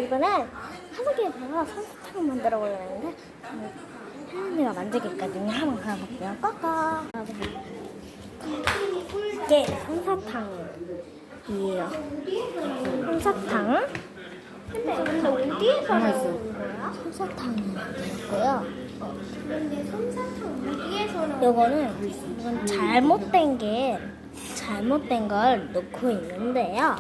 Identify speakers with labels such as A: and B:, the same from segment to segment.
A: 이번엔 하늘이에다가 솜사탕을 만들어 보려고 했는데 하늘이가 만들기까지는 한번 가볼게요. 꺼꺼. 이게 솜사탕이에요. 솜사탕. 근데 어디에서 나온 거야? 솜사탕이고요. 근데 솜사탕 어디에서 나온 거야? 이건 잘못된 걸 넣고 있는데요.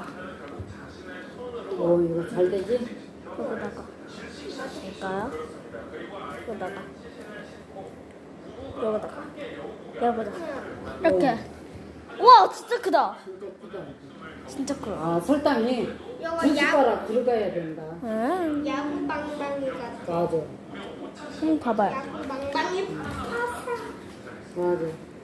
B: 이거 잘 되지?
A: 여기다가 볼까요? 여기다가 이렇게. 우와, 진짜 크다.
B: 진짜 크다.
A: 진짜 커.
B: 아, 설탕이 두 숟가락 들어가야 된다.
C: 야구 빵빵이 같아.
B: 맞아.
A: 봐봐요.
C: 야구 빵빵이 파사.
B: 맞아.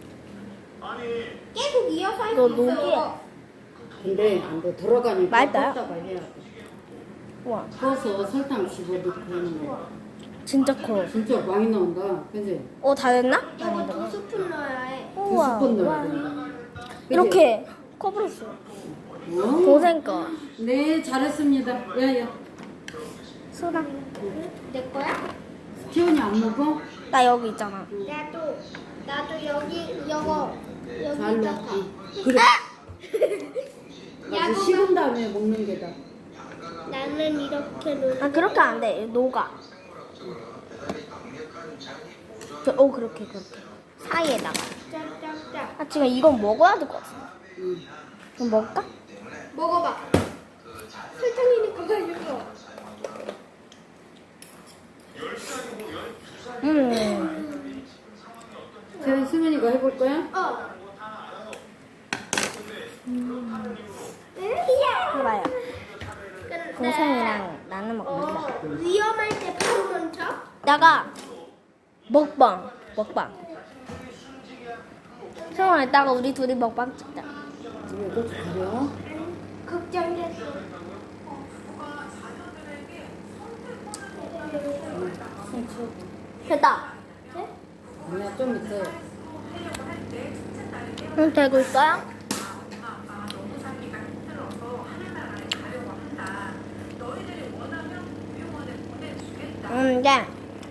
C: 계속 이어서 할
A: 너
C: 수
A: 녹이.
C: 있어.
B: 근데 안 들어가니까
A: 맛있어요?
B: 껐다가 해야 돼.
A: 우와,
B: 꺼서 설탕 집어넣고 하는 거.
A: 진짜 커.
B: 진짜 많이 나온다. 그지?
A: 다 됐나?
C: 이거 2스푼 넣어야 해.
B: 두
A: 우와.
B: 스푼 넣어야
A: 우와.
B: 된다. 그지?
A: 이렇게 커버렸어.
B: 어?
A: 동생 거.
B: 네, 잘했습니다. 야야.
A: 소라.
C: 내 거야?
B: 티온이 안 먹어?
A: 나 여기 있잖아.
C: 나도 여기 이거
B: 잘
C: 여기다가.
B: 먹기. 그래. 아주 식은 다음에 먹는 게다.
C: 나는 이렇게 놓.
A: 그렇게 안 돼. 녹아. 그렇게. 사이에다가.
C: 짝짝짝.
A: 지금 이건 먹어야 될 것 같아.
B: 응.
A: 그럼 먹을까?
C: 먹어봐. 설탕이니까 맛있어.
B: 자, 수민이가 해볼 거야?
A: 해봐요. 동생이랑 나는 먹고 있어.
C: 위험할 때 바로 멈춰.
A: 이따가 먹방. 성아, 이따가 우리 둘이 먹방 찍자.
B: 집에 고추 가려?
C: 걱정됐어.
A: 됐다.
B: 아니야, 좀 있어요.
A: 되고 있어요? 네.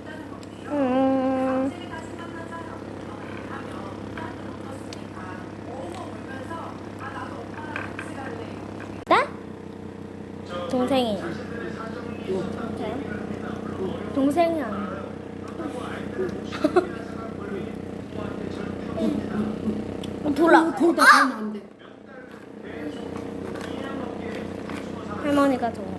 A: 네? 동생이. 동생이 아니야. 돌아.
B: 돌다 가면 안 돼.
A: 할머니가 줘.